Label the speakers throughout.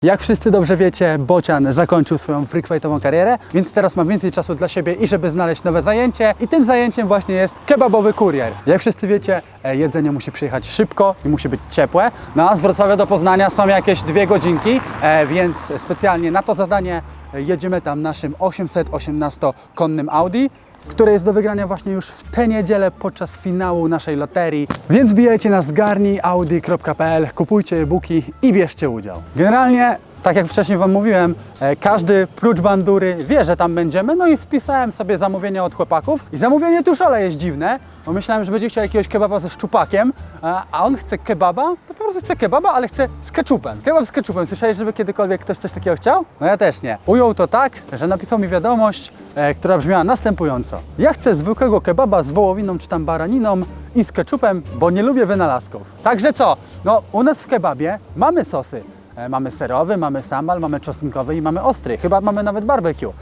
Speaker 1: Jak wszyscy dobrze wiecie, Bocian zakończył swoją freakfightową karierę, więc teraz mam więcej czasu dla siebie i żeby znaleźć nowe zajęcie. I tym zajęciem właśnie jest kebabowy kurier. Jak wszyscy wiecie, jedzenie musi przyjechać szybko i musi być ciepłe. No a z Wrocławia do Poznania są jakieś 2 godzinki, więc specjalnie na to zadanie jedziemy tam naszym 818-konnym Audi, które jest do wygrania właśnie już w tę niedzielę podczas finału naszej loterii. Więc bijajcie na zgarniaudi.pl, kupujcie e-booki i bierzcie udział. Generalnie, tak jak wcześniej Wam mówiłem, każdy prócz bandury wie, że tam będziemy, no i spisałem sobie zamówienia od chłopaków. I zamówienie tuszole jest dziwne, bo myślałem, że będzie chciał jakiegoś kebaba ze szczupakiem, a on chce kebaba, to po prostu chce kebaba, ale chce z keczupem. Kebab z keczupem. Słyszałeś, żeby kiedykolwiek ktoś coś takiego chciał? No ja też nie. Ujął to tak, że napisał mi wiadomość, która brzmiała następująco. Ja chcę zwykłego kebaba z wołowiną czy tam baraniną i z keczupem, bo nie lubię wynalazków. Także co? No u nas w kebabie mamy sosy. Mamy serowy, mamy sambal, mamy czosnkowy i mamy ostry. Chyba mamy nawet barbecue.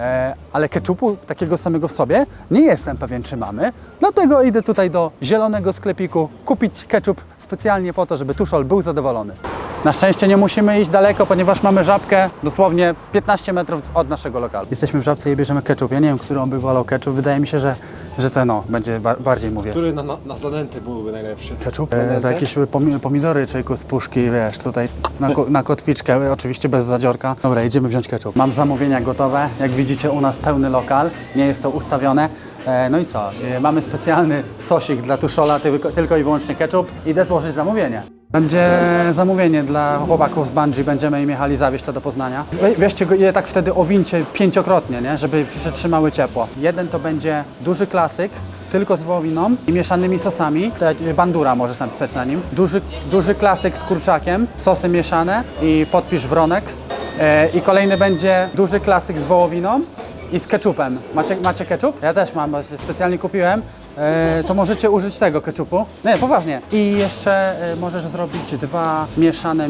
Speaker 1: Ale keczupu takiego samego w sobie nie jestem pewien, czy mamy. Dlatego idę tutaj do zielonego sklepiku kupić keczup specjalnie po to, żeby tuszol był zadowolony. Na szczęście nie musimy iść daleko, ponieważ mamy Żabkę dosłownie 15 metrów od naszego lokalu. Jesteśmy w Żabce i bierzemy keczup. Ja nie wiem, który on by wolał keczup. Wydaje mi się, że ten będzie bardziej, mówię.
Speaker 2: Który na zanętę byłby najlepszy?
Speaker 1: Keczup? To jakieś pomidory, czejku z puszki, wiesz, tutaj na kotwiczkę, oczywiście bez zadziorka. Dobra, jedziemy wziąć keczup. Mam zamówienia gotowe. Jak widzicie, u nas pełny lokal. Nie jest to ustawione. No i co? Mamy specjalny sosik dla tuszola, tylko i wyłącznie keczup. Idę złożyć zamówienie. Będzie zamówienie dla chłopaków z Bungee, będziemy im jechali zawieźć to do Poznania. Weźcie je tak wtedy owincie 5-krotnie, nie? Żeby przetrzymały ciepło. Jeden to będzie duży klasyk, tylko z wołowiną i mieszanymi sosami. Bandura możesz napisać na nim. Duży klasyk z kurczakiem, sosy mieszane i podpisz wronek. I kolejny będzie duży klasyk z wołowiną i z keczupem. Macie keczup? Ja też mam, specjalnie kupiłem. To możecie użyć tego keczupu. Nie, poważnie. I jeszcze możesz zrobić 2 mieszane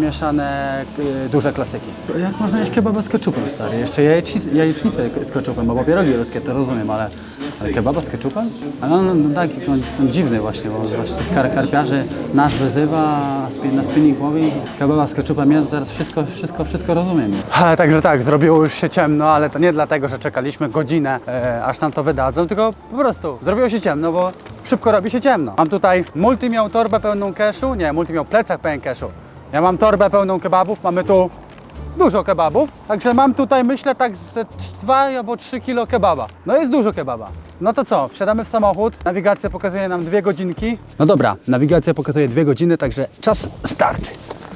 Speaker 1: duże klasyki. Jak można jeść kebaba z keczupem, stary? Jeszcze jajecznicę z keczupem, bo pierogi ruskie to rozumiem, ale kebaba z keczupem? No tak, on dziwny właśnie, bo właśnie karpiarzy nas wyzywa, na spinning mówi, kebaba z keczupem, ja teraz wszystko rozumiem. Także tak, zrobiło już się ciemno, ale to nie dlatego, że czekaliśmy godzinę, aż nam to wydadzą, tylko po prostu zrobiło się ciemno, bo szybko robi się ciemno. Mam tutaj, Multi miał torbę pełną keszu, Multi miał plecak pełen keszu. Ja mam torbę pełną kebabów, mamy tu dużo kebabów, także mam tutaj, myślę, tak ze 2 albo 3 kilo kebaba. No jest dużo kebaba. No to co, wsiadamy w samochód, nawigacja pokazuje nam 2 godzinki. No dobra, nawigacja pokazuje 2 godziny, także czas start.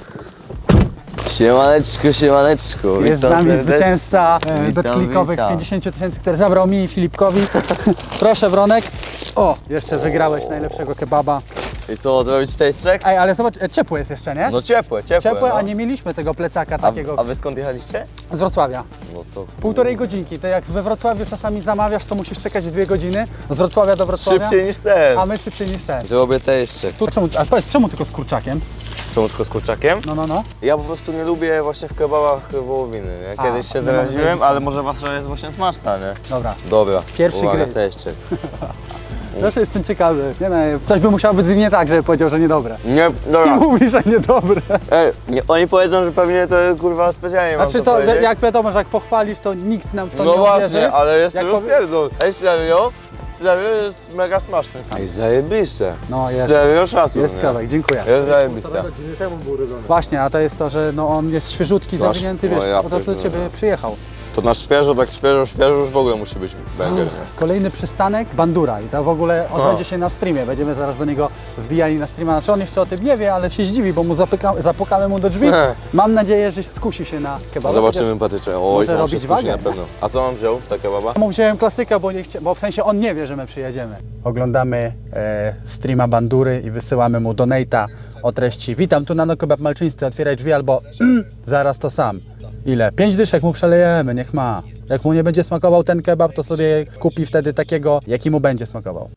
Speaker 3: Siemaneczku, siemaneczku.
Speaker 1: Jest z nami zwycięzca
Speaker 3: Witam,
Speaker 1: betklikowych
Speaker 3: witam.
Speaker 1: 50 000, który zabrał mi i Filipkowi. Proszę, Wronek. O, jeszcze wygrałeś najlepszego kebaba.
Speaker 3: I co, zrobić taste check?
Speaker 1: Ej, ale zobacz, ciepłe jest jeszcze, nie?
Speaker 3: No ciepłe.
Speaker 1: Ciepłe,
Speaker 3: no.
Speaker 1: a nie mieliśmy tego plecaka takiego
Speaker 3: A wy skąd jechaliście?
Speaker 1: z Wrocławia.
Speaker 3: No co?
Speaker 1: 1,5 godzinki. To jak we Wrocławiu czasami zamawiasz, to musisz czekać 2 godziny z Wrocławia do Wrocławia.
Speaker 3: Szybciej niż ten.
Speaker 1: A my szybciej niż ten.
Speaker 3: Zrobię taste check.
Speaker 1: A powiedz, czemu tylko z kurczakiem?
Speaker 3: Czemu tylko z kurczakiem?
Speaker 1: No.
Speaker 3: Ja po prostu nie lubię właśnie w kebabach wołowiny, nie? Kiedyś się
Speaker 1: no,
Speaker 3: zaraziłem,
Speaker 1: no,
Speaker 3: ale może wasza jest właśnie smaczna, nie?
Speaker 1: Dobra.
Speaker 3: Dobra.
Speaker 1: Pierwszy
Speaker 3: uwaga,
Speaker 1: gryz.
Speaker 3: taste check.
Speaker 1: Proszę, jestem ciekawy. Nie, coś by musiało być z nim nie tak, żeby powiedział, że niedobre.
Speaker 3: Nie,
Speaker 1: I
Speaker 3: dobra.
Speaker 1: mówi, że niedobre.
Speaker 3: Ej, oni powiedzą, że pewnie to kurwa specjalnie mam
Speaker 1: Znaczy
Speaker 3: to
Speaker 1: to,
Speaker 3: powiedzieć.
Speaker 1: jak wiadomo, że jak pochwalisz, to nikt nam w to
Speaker 3: No
Speaker 1: nie
Speaker 3: właśnie,
Speaker 1: uwierzy.
Speaker 3: ale jest
Speaker 1: Jak
Speaker 3: to
Speaker 1: powie-
Speaker 3: rozpierdol. Ej, serio? Serio jest mega smaczny. Ej, zajebiste.
Speaker 1: No, jest.
Speaker 3: Serio szacun,
Speaker 1: Jest
Speaker 3: nie?
Speaker 1: kawałek, dziękuję.
Speaker 3: Jest zajebiste.
Speaker 1: Właśnie, a to jest to, że no, on jest świeżutki,
Speaker 3: Masz-
Speaker 1: zawinięty,
Speaker 3: o,
Speaker 1: wiesz,
Speaker 3: ja
Speaker 1: po prostu do
Speaker 3: pierdolę.
Speaker 1: Ciebie przyjechał.
Speaker 3: To na świeżo, tak świeżo już w ogóle musi być banger, nie?
Speaker 1: Kolejny przystanek, Bandura i to w ogóle odbędzie się na streamie, będziemy zaraz do niego wbijali na streama, znaczy on jeszcze o tym nie wie, ale się zdziwi, bo mu zapukamy mu do drzwi. Mam nadzieję, że skusi się na kebaba.
Speaker 3: Zobaczymy patyczę. Oj,
Speaker 1: może
Speaker 3: on się
Speaker 1: robić
Speaker 3: skusi
Speaker 1: wagę,
Speaker 3: na pewno. A co mam wziął za kebaba?
Speaker 1: Ja mu wziąłem klasykę, bo w sensie on nie wie, że my przyjedziemy. Oglądamy streama Bandury i wysyłamy mu donate'a o treści: witam, tu Nano Kebab Malczyńscy, otwieraj drzwi albo zaraz to sam. Ile? 5 dyszek mu przelejemy, niech ma. Jak mu nie będzie smakował ten kebab, to sobie kupi wtedy takiego, jaki mu będzie smakował.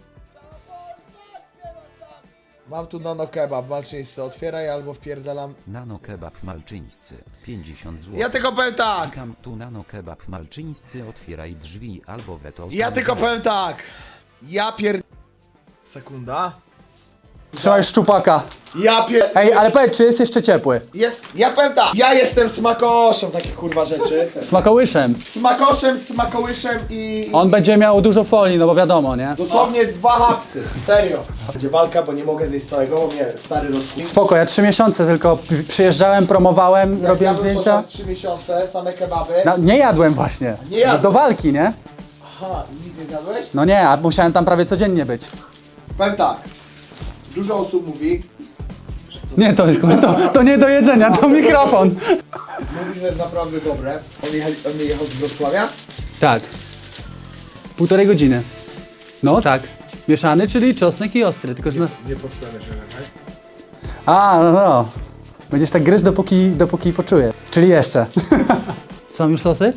Speaker 4: Mam tu Nano Kebab, Malczyńscy, otwieraj albo wpierdalam.
Speaker 5: Nano Kebab Malczyńscy, 50 zł.
Speaker 4: Ja tylko powiem tak!
Speaker 5: Klikam tu Nano Kebab Malczyńscy, otwieraj drzwi albo weto.
Speaker 4: Ja tylko powiem tak! Ja Sekunda.
Speaker 1: Trzymaj szczupaka.
Speaker 4: Ja
Speaker 1: Ej, ale powiedz, czy jest jeszcze ciepły?
Speaker 4: Ja powiem tak, ja jestem smakoszem takich kurwa rzeczy.
Speaker 1: Smakołyszem.
Speaker 4: Smakołyszem i...
Speaker 1: On będzie miał dużo folii, no bo wiadomo, nie?
Speaker 4: Dosłownie 2 hapsy, serio. Będzie walka, bo nie mogę zjeść całego, bo mnie stary rozkuł.
Speaker 1: Spoko, ja 3 miesiące tylko przyjeżdżałem, promowałem, robiłem
Speaker 4: Ja bym
Speaker 1: zdjęcia.
Speaker 4: 3 miesiące, same kebaby.
Speaker 1: No, nie jadłem właśnie.
Speaker 4: Nie jadłeś?
Speaker 1: Do walki, nie?
Speaker 4: Aha, i nic nie zjadłeś?
Speaker 1: No nie, a musiałem tam prawie codziennie być.
Speaker 4: Powiem tak, dużo osób mówi,
Speaker 1: Nie, to nie do jedzenia, to mikrofon.
Speaker 4: że jest naprawdę dobre. On jechał z Wrocławia?
Speaker 1: Tak. 1,5 godziny. No tak. Mieszany, czyli czosnek i ostry, tylko że... No...
Speaker 4: Nie poczułem jeszcze, tak?
Speaker 1: A, no. Będziesz tak gryźć, dopóki poczuję. Czyli jeszcze. Są już sosy?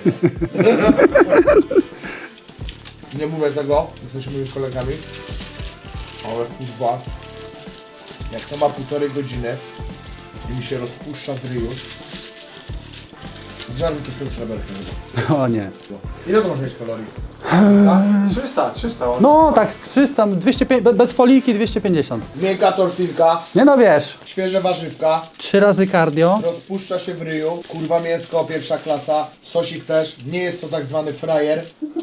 Speaker 4: Nie mówię tego, jesteśmy moimi kolegami, ale kurwa, jak to ma 1,5 godziny i mi się rozpuszcza w ryju, żarty to jest sreberkiem.
Speaker 1: O nie.
Speaker 4: Ile to może mieć kalorii?
Speaker 2: 300.
Speaker 1: No tak, z 300, 250, bez foliki 250.
Speaker 4: Miękka tortilka,
Speaker 1: Nie no wiesz,
Speaker 4: świeże warzywka,
Speaker 1: 3 razy cardio.
Speaker 4: rozpuszcza się w ryju, kurwa mięsko, pierwsza klasa, sosik też, nie jest to tak zwany frajer.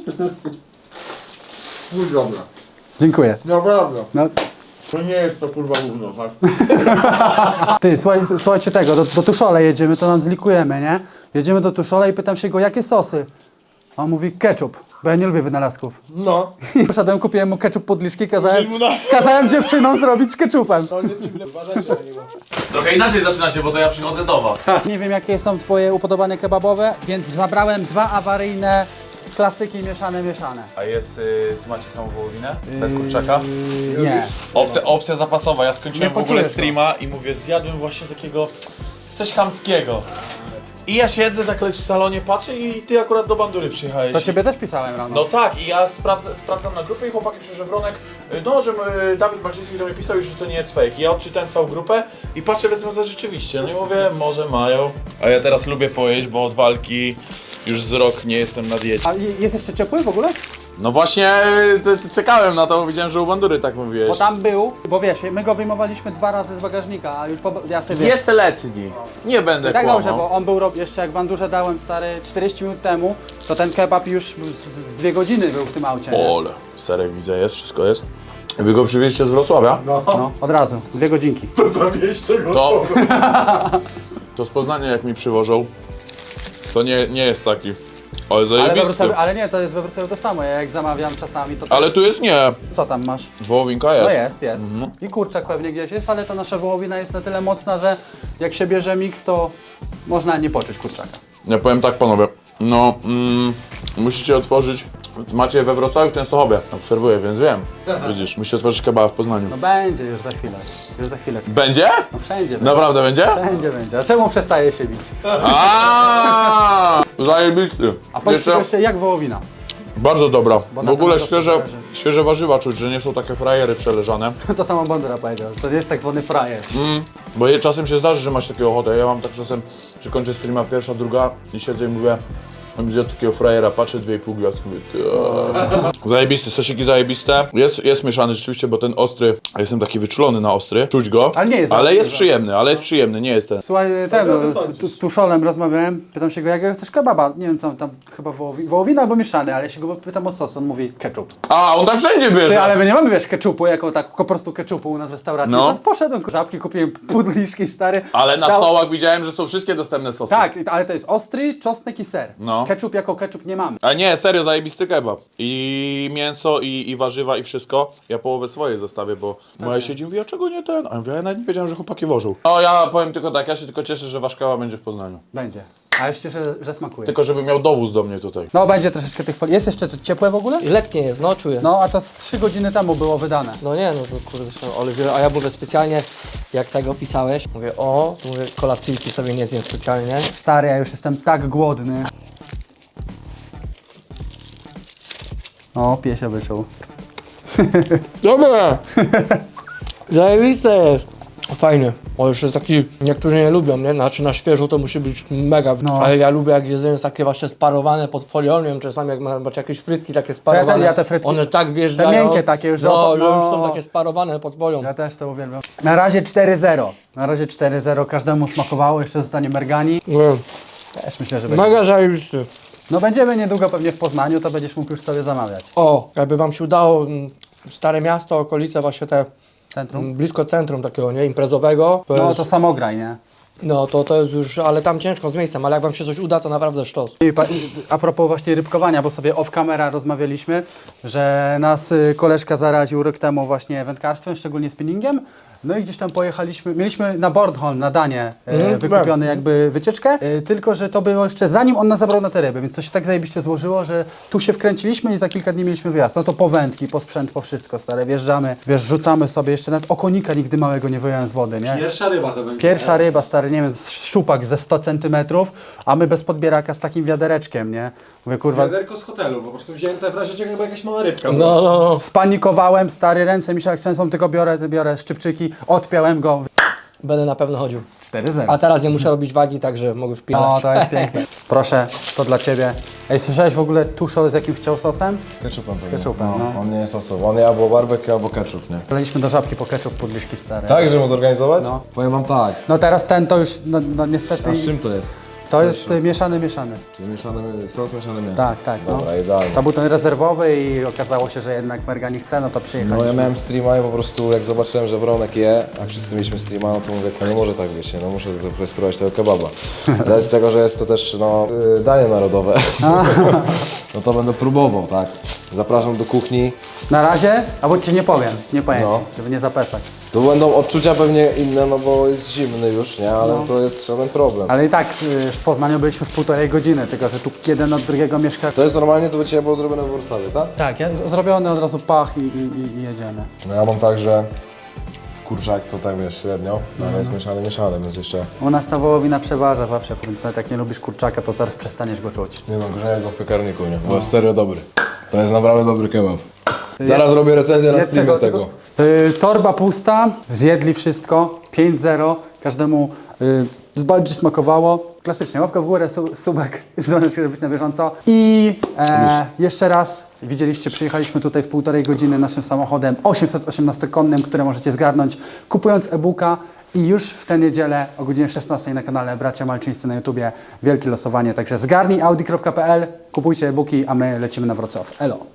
Speaker 4: Mój dobra.
Speaker 1: Dziękuję.
Speaker 4: Naprawdę.
Speaker 1: No,
Speaker 4: To nie jest to kurwa gówno, tak?
Speaker 1: ty, słuchajcie tego, do Tuszole jedziemy, to nam zlikujemy, nie? Jedziemy do Tuszole i pytam się go, jakie sosy? A on mówi ketchup, bo ja nie lubię wynalazków.
Speaker 4: No.
Speaker 1: I poszedłem, kupiłem mu ketchup podliszki, kazałem dziewczynom zrobić z ketchupem.
Speaker 4: To nie dziwne, uważajcie na niego.
Speaker 3: Trochę inaczej zaczynacie, bo to ja przychodzę do was.
Speaker 1: Nie wiem, jakie są twoje upodobania kebabowe, więc zabrałem 2 awaryjne klasyki mieszane.
Speaker 3: A jest, macie samą wołowinę? Bez kurczaka?
Speaker 1: Nie.
Speaker 3: Opcja zapasowa. Ja skończyłem
Speaker 1: Nie
Speaker 3: w ogóle
Speaker 1: poczujesz
Speaker 3: streama i mówię, zjadłem właśnie takiego, coś chamskiego. I ja siedzę tak w salonie, patrzę i ty akurat do Bandury przyjechałeś.
Speaker 1: To ciebie też pisałem rano.
Speaker 3: No tak, i ja sprawdzam na grupę i chłopaki piszą, że Wronek, no, że Dawid Malczyński do mnie pisał już, że to nie jest fake. I ja odczytałem całą grupę i patrzę, wezmę za rzeczywiście. No i mówię, może mają. A ja teraz lubię pojeść, bo od walki już z rok nie jestem na diecie.
Speaker 1: A jest jeszcze ciepły w ogóle?
Speaker 3: No właśnie, czekałem na to, bo widziałem, że u Bandury tak mówiłeś.
Speaker 1: Bo tam był, bo wiesz, my go wyjmowaliśmy 2 razy z bagażnika, a już ja sobie wiesz,
Speaker 3: Jest letni, nie będę
Speaker 1: tak
Speaker 3: kłamał.
Speaker 1: dobrze, bo on był jeszcze jak bandurze dałem stary 40 minut temu, to ten kebab już z 2 godziny był w tym aucie. Nie?
Speaker 3: Ole, serek widzę, jest, wszystko jest. Wy go przywieźcie z Wrocławia?
Speaker 1: No, od razu, 2 godzinki.
Speaker 4: Zawieźcie go.
Speaker 3: To z Poznania jak mi przywożą, to nie jest taki. Ale
Speaker 1: Ale,
Speaker 3: zajebisty.
Speaker 1: ale nie, to jest we Wrocławiu to samo, ja jak zamawiam czasami to...
Speaker 3: Ale tu jest nie.
Speaker 1: Co tam masz?
Speaker 3: Wołowinka jest.
Speaker 1: No jest. I kurczak pewnie gdzieś jest, ale ta nasza wołowina jest na tyle mocna, że jak się bierze miks, to można nie poczuć kurczaka.
Speaker 3: Ja powiem tak, panowie. No, musicie otworzyć. Macie we Wrocławiu, w Częstochowie. Obserwuję, więc wiem. Widzisz, musicie otworzyć kebaba w Poznaniu.
Speaker 1: No będzie już za chwilę.
Speaker 3: Będzie?
Speaker 1: No wszędzie będzie.
Speaker 3: Naprawdę będzie?
Speaker 1: Wszędzie będzie. A czemu przestaje się bić?
Speaker 3: Zajebisty.
Speaker 1: A powiedz jeszcze jak wołowina.
Speaker 3: Bardzo dobra. W
Speaker 1: na
Speaker 3: ogóle
Speaker 1: pewno
Speaker 3: świeże warzywa czuć, że nie są takie frajery przeleżane.
Speaker 1: To samo Bandura powiedział. To jest tak zwany frajer.
Speaker 3: Bo czasem się zdarzy, że masz taką ochotę. Ja mam tak czasem, że kończę streama pierwsza, druga i siedzę i mówię, mam zjadł takiego frajera, patrzę 2,5 gwiazdki, mówię, zajebisty, sosiki zajebiste. Jest mieszany rzeczywiście, bo ten ostry, ja jestem taki wyczulony na ostry, czuć go,
Speaker 1: Ale nie jest
Speaker 3: ale
Speaker 1: ostry,
Speaker 3: jest
Speaker 1: tak.
Speaker 3: przyjemny, nie jest ten.
Speaker 1: Słuchaj, z Tuszolem rozmawiałem, pytam się go, jakiego chcesz kebaba? Nie wiem co on tam, chyba wołowina albo mieszany, ale ja się go pytam o sos, on mówi ketchup.
Speaker 3: A, on tak wszędzie bierze!
Speaker 1: Ty, ale my nie mamy, wiesz, ketchupu, jako tak po prostu ketchupu u nas w restauracji.
Speaker 3: No.
Speaker 1: Teraz poszedłem, żabki kupiłem, pudliszki stary.
Speaker 3: Ale na stołach widziałem, że są wszystkie dostępne sosy.
Speaker 1: Tak, ale to jest ostry, czosnek i ser.
Speaker 3: No.
Speaker 1: Ketchup jako ketchup nie mamy.
Speaker 3: A nie, serio, zajebisty kebab. I mięso, i warzywa, i wszystko. Ja połowę swoje zostawię, bo moja siedzi i mówi, a czego nie ten? A ja mówię, ja nawet nie wiedziałem, że chłopaki wożą. No ja powiem tylko tak, ja się tylko cieszę, że wasz kebab będzie w Poznaniu.
Speaker 1: Będzie. A jeszcze, że smakuje.
Speaker 3: Tylko żeby miał dowóz do mnie tutaj.
Speaker 1: No będzie troszeczkę tych folii. Jest jeszcze to ciepłe w ogóle?
Speaker 6: Letnie jest, no czuję.
Speaker 1: No a to z 3 godziny temu było wydane.
Speaker 6: No nie, no to kurde, a ja mówię specjalnie, jak tego pisałeś, mówię, mówię, kolacyjki sobie nie zjem specjalnie.
Speaker 1: Stary, ja już jestem tak głodny. O, piesia wyczuł.
Speaker 6: Dobra! Zajebiste jest! Fajny. O, już jest taki, niektórzy nie lubią, nie? Znaczy na świeżo to musi być mega.
Speaker 1: No.
Speaker 6: Ale ja lubię, jak jedzenie jest takie właśnie sparowane pod folią, nie wiem, czasami jak macie jakieś frytki takie sparowane.
Speaker 1: Ja te frytki-
Speaker 6: one tak wjeżdżają.
Speaker 1: te miękkie takie już, że
Speaker 6: no,
Speaker 1: oto-
Speaker 6: że już
Speaker 1: no.
Speaker 6: są takie sparowane pod folią.
Speaker 1: Ja też to uwielbiam. Na razie 4-0. Na razie 4-0. Każdemu smakowało. Jeszcze zostanie mergani.
Speaker 6: Nie.
Speaker 1: Też myślę, że będzie.
Speaker 6: Mega zajebisty.
Speaker 1: No będziemy niedługo pewnie w Poznaniu, to będziesz mógł już sobie zamawiać.
Speaker 6: O, jakby wam się udało, Stare Miasto, okolice właśnie te,
Speaker 1: Centrum?
Speaker 6: blisko centrum takiego, nie, imprezowego.
Speaker 1: No
Speaker 6: jest,
Speaker 1: to samograj, nie?
Speaker 6: no to jest już, ale tam ciężko z miejscem, ale jak wam się coś uda, to naprawdę sztos.
Speaker 1: I a propos właśnie rybkowania, bo sobie off camera rozmawialiśmy, że nas koleżka zaraził rok temu właśnie wędkarstwem, szczególnie spinningiem. No i gdzieś tam pojechaliśmy, mieliśmy na Bornholm, na Danię wykupiony jakby wycieczkę, tylko że to było jeszcze zanim on nas zabrał na te ryby, więc to się tak zajebiście złożyło, że tu się wkręciliśmy i za kilka dni mieliśmy wyjazd. No to po wędki, po sprzęt, po wszystko stare, wjeżdżamy, wiesz, rzucamy sobie jeszcze, nawet okonika nigdy małego nie wyjąłem z wody, nie?
Speaker 2: Pierwsza ryba to będzie.
Speaker 1: Pierwsza ryba, stary, nie wiem, szczupak ze 100 centymetrów, a my bez podbieraka z takim wiadereczkiem, nie? Mówię, kurwa,
Speaker 2: Wiaderko z hotelu, po prostu wziąłem te w razie czego jakby jakaś mała rybka.
Speaker 6: No.
Speaker 1: spanikowałem, stary, ręce mi się jak trzęsą, tylko biorę szczypczyki, odpiąłem go.
Speaker 6: Będę na pewno chodził.
Speaker 1: 4-0.
Speaker 6: A teraz nie muszę robić wagi, także mogę wpinać.
Speaker 1: O, to jest piękne. Proszę, to dla Ciebie. Ej, słyszałeś w ogóle tuszol z jakim chciał sosem?
Speaker 7: Z ketchupem.
Speaker 1: Z ketchupem, no.
Speaker 7: On nie jest osobą. On albo barbecue, albo ketchup, nie?
Speaker 1: Wleliśmy do żabki po ketchup pudliszki stare.
Speaker 7: Tak, żeby mu zorganizować?
Speaker 1: No.
Speaker 7: Powiem wam tak.
Speaker 1: No teraz ten to już, no niestety,
Speaker 7: A z czym to jest?
Speaker 1: to jest mieszany.
Speaker 7: Czyli mieszany sos, mieszane mięso.
Speaker 1: Tak, no.
Speaker 7: Dobra, idealnie.
Speaker 1: To był ten rezerwowy i okazało się, że jednak Merga nie chce, no to
Speaker 7: No
Speaker 1: przyjechaliśmy.
Speaker 7: ja miałem streama i po prostu jak zobaczyłem, że Bronek je, a wszyscy mieliśmy streama, no to mówię, no nie może tak być, nie? No muszę spróbować tego kebaba. Z tego, że jest to też no, danie narodowe, no to będę próbował, tak. Zapraszam do kuchni.
Speaker 1: Na razie, albo Ci nie powiem
Speaker 7: No.
Speaker 1: Ci, żeby nie zapeszać.
Speaker 7: Tu będą odczucia pewnie inne, no bo jest zimny już, nie? Ale to jest żaden problem.
Speaker 1: Ale i tak w Poznaniu byliśmy w 1,5 godziny, tylko że tu jeden od drugiego mieszka.
Speaker 7: To jest normalnie, to by Cię było zrobione w Warszawie, tak?
Speaker 1: Tak, zrobiony od razu pach i jedziemy.
Speaker 7: No ja mam tak, że kurczak to tak wiesz, średnio, ale jest mieszany, więc jeszcze
Speaker 1: U nas ta wołowina przeważa zawsze, więc nawet jak nie lubisz kurczaka, to zaraz przestaniesz go czuć.
Speaker 7: nie no, grzenie go w piekarniku, nie? Bo jest serio dobry. To jest naprawdę dobry kebab. Zaraz robię recenzję na streamie tego.
Speaker 1: Torba pusta, zjedli wszystko, 5-0, każdemu bardziej smakowało. Klasycznie, łapka w górę, subek, zdążyć być na bieżąco. I jeszcze raz, widzieliście, przyjechaliśmy tutaj w 1,5 godziny naszym samochodem 818-konnym, które możecie zgarnąć kupując e-booka. I już w tę niedzielę o godzinie 16 na kanale Bracia Malczyńscy na YouTubie wielkie losowanie. Także zgarnij audi.pl, kupujcie e-booki, a my lecimy na Wrocław. Elo!